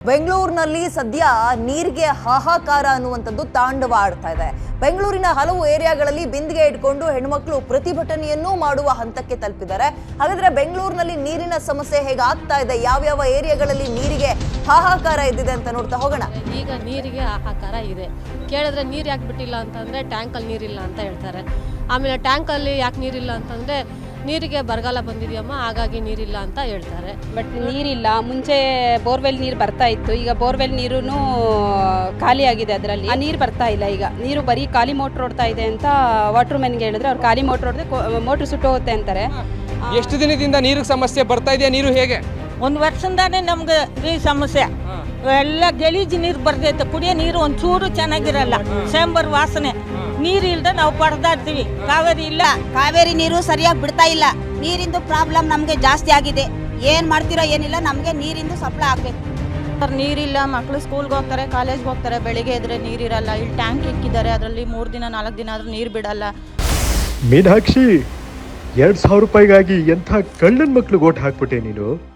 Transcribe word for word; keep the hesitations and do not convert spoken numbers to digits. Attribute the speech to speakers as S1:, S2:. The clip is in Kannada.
S1: ಬೆಂಗಳೂರಿನಲ್ಲಿ ಸದ್ಯ ನೀರಿಗೆ ಹಾಹಾಕಾರ ಅನ್ನುವಂಥದ್ದು ತಾಂಡವ ಆಡ್ತಾ ಇದೆ. ಬೆಂಗಳೂರಿನ ಹಲವು ಏರಿಯಾಗಳಲ್ಲಿ ಬಿಂದಿಗೆ ಇಟ್ಕೊಂಡು ಹೆಣ್ಮಕ್ಳು ಪ್ರತಿಭಟನೆಯನ್ನೂ ಮಾಡುವ ಹಂತಕ್ಕೆ ತಲುಪಿದ್ದಾರೆ. ಹಾಗಾದ್ರೆ ಬೆಂಗಳೂರಿನಲ್ಲಿ ನೀರಿನ ಸಮಸ್ಯೆ ಹೇಗೆ ಆಗ್ತಾ ಇದೆ, ಯಾವ್ಯಾವ ಏರಿಯಾಗಳಲ್ಲಿ ನೀರಿಗೆ ಹಾಹಾಕಾರ ಇದ್ದಿದೆ ಅಂತ ನೋಡ್ತಾ ಹೋಗೋಣ.
S2: ಈಗ ನೀರಿಗೆ ಹಾಹಾಕಾರ ಇದೆ. ಕೇಳಿದ್ರೆ ನೀರು ಯಾಕೆ ಬಿಟ್ಟಿಲ್ಲ ಅಂತಂದ್ರೆ ಟ್ಯಾಂಕಲ್ಲಿ ನೀರಿಲ್ಲ ಅಂತ ಹೇಳ್ತಾರೆ. ಆಮೇಲೆ ಟ್ಯಾಂಕಲ್ಲಿ ಯಾಕೆ ನೀರಿಲ್ಲ ಅಂತಂದ್ರೆ ನೀರಿಗೆ ಬರಗಾಲ ಬಂದಿದೆಯಮ್ಮ, ಹಾಗಾಗಿ ನೀರಿಲ್ಲ ಅಂತ ಹೇಳ್ತಾರೆ.
S3: ಬಟ್ ನೀರಿಲ್ಲ. ಮುಂಚೆ ಬೋರ್ವೆಲ್ ನೀರು ಬರ್ತಾ ಇತ್ತು, ಈಗ ಬೋರ್ವೆಲ್ ನೀರು ಖಾಲಿ ಆಗಿದೆ. ಅದರಲ್ಲಿ ಆ ನೀರು ಬರ್ತಾ ಇಲ್ಲ. ಈಗ ನೀರು ಬರೀ ಖಾಲಿ ಮೋಟ್ರ್ ಓಡ್ತಾ ಇದೆ ಅಂತ ವಾಟರ್ ಮ್ಯಾನ್ಗೆ ಹೇಳಿದ್ರೆ ಅವ್ರು ಖಾಲಿ ಮೋಟ್ರ್ ಹೊಡೆದ್ರೆ ಮೋಟ್ರ್ ಸುಟ್ಟೋಗುತ್ತೆ ಅಂತಾರೆ.
S4: ಎಷ್ಟು ದಿನದಿಂದ ನೀರಿಗೆ ಸಮಸ್ಯೆ ಬರ್ತಾ ಇದೆಯಾ? ನೀರು ಹೇಗೆ?
S5: ಒಂದು ವರ್ಷದಿಂದಾನೇ ನಮ್ಗೆ ಈ ಸಮಸ್ಯೆ. ಎಲ್ಲ ಗಲೀಜು ನೀರು ಬರ್ತೈತೆ. ಕುಡಿಯೋ ನೀರು ಒಂಚೂರು ಚೆನ್ನಾಗಿರಲ್ಲ, ಸೇಂಬರ್ ವಾಸನೆ. ನೀರು ಇಲ್ಲದೆ ನಾವು ಪಡೆದಾಡ್ತೀವಿ. ಕಾವೇರಿ ಇಲ್ಲ,
S6: ಕಾವೇರಿ ನೀರು ಸರಿಯಾಗಿ ಬಿಡ್ತಾ ಇಲ್ಲ. ನೀರಿಂದು ಪ್ರಾಬ್ಲಮ್ ನಮಗೆ ಜಾಸ್ತಿ ಆಗಿದೆ. ಏನು ಮಾಡ್ತಿರೋ ಏನಿಲ್ಲ, ನಮಗೆ ನೀರಿಂದು ಸಪ್ಲೈ ಆಗಬೇಕು.
S7: ನೀರಿಲ್ಲ, ಮಕ್ಕಳು ಸ್ಕೂಲ್ಗೆ ಹೋಗ್ತಾರೆ, ಕಾಲೇಜ್ಗೆ ಹೋಗ್ತಾರೆ, ಬೆಳಿಗ್ಗೆ ಎದ್ರೆ ನೀರಿರಲ್ಲ. ಇಲ್ಲಿ ಟ್ಯಾಂಕ್ ಇಕ್ಕಿದ್ದಾರೆ, ಅದರಲ್ಲಿ ಮೂರು ದಿನ ನಾಲ್ಕು ದಿನ ಆದರೂ ನೀರು ಬಿಡಲ್ಲ.
S8: ಮೀನಾಕ್ಷಿ, ಎರಡು ಸಾವಿರ ರೂಪಾಯಿಗಾಗಿ ಎಂಥ ಕಳ್ಳನ ಮಕ್ಳಿಗೆ ಓಟ್ ಹಾಕ್ಬಿಟ್ಟೆ ನೀನು.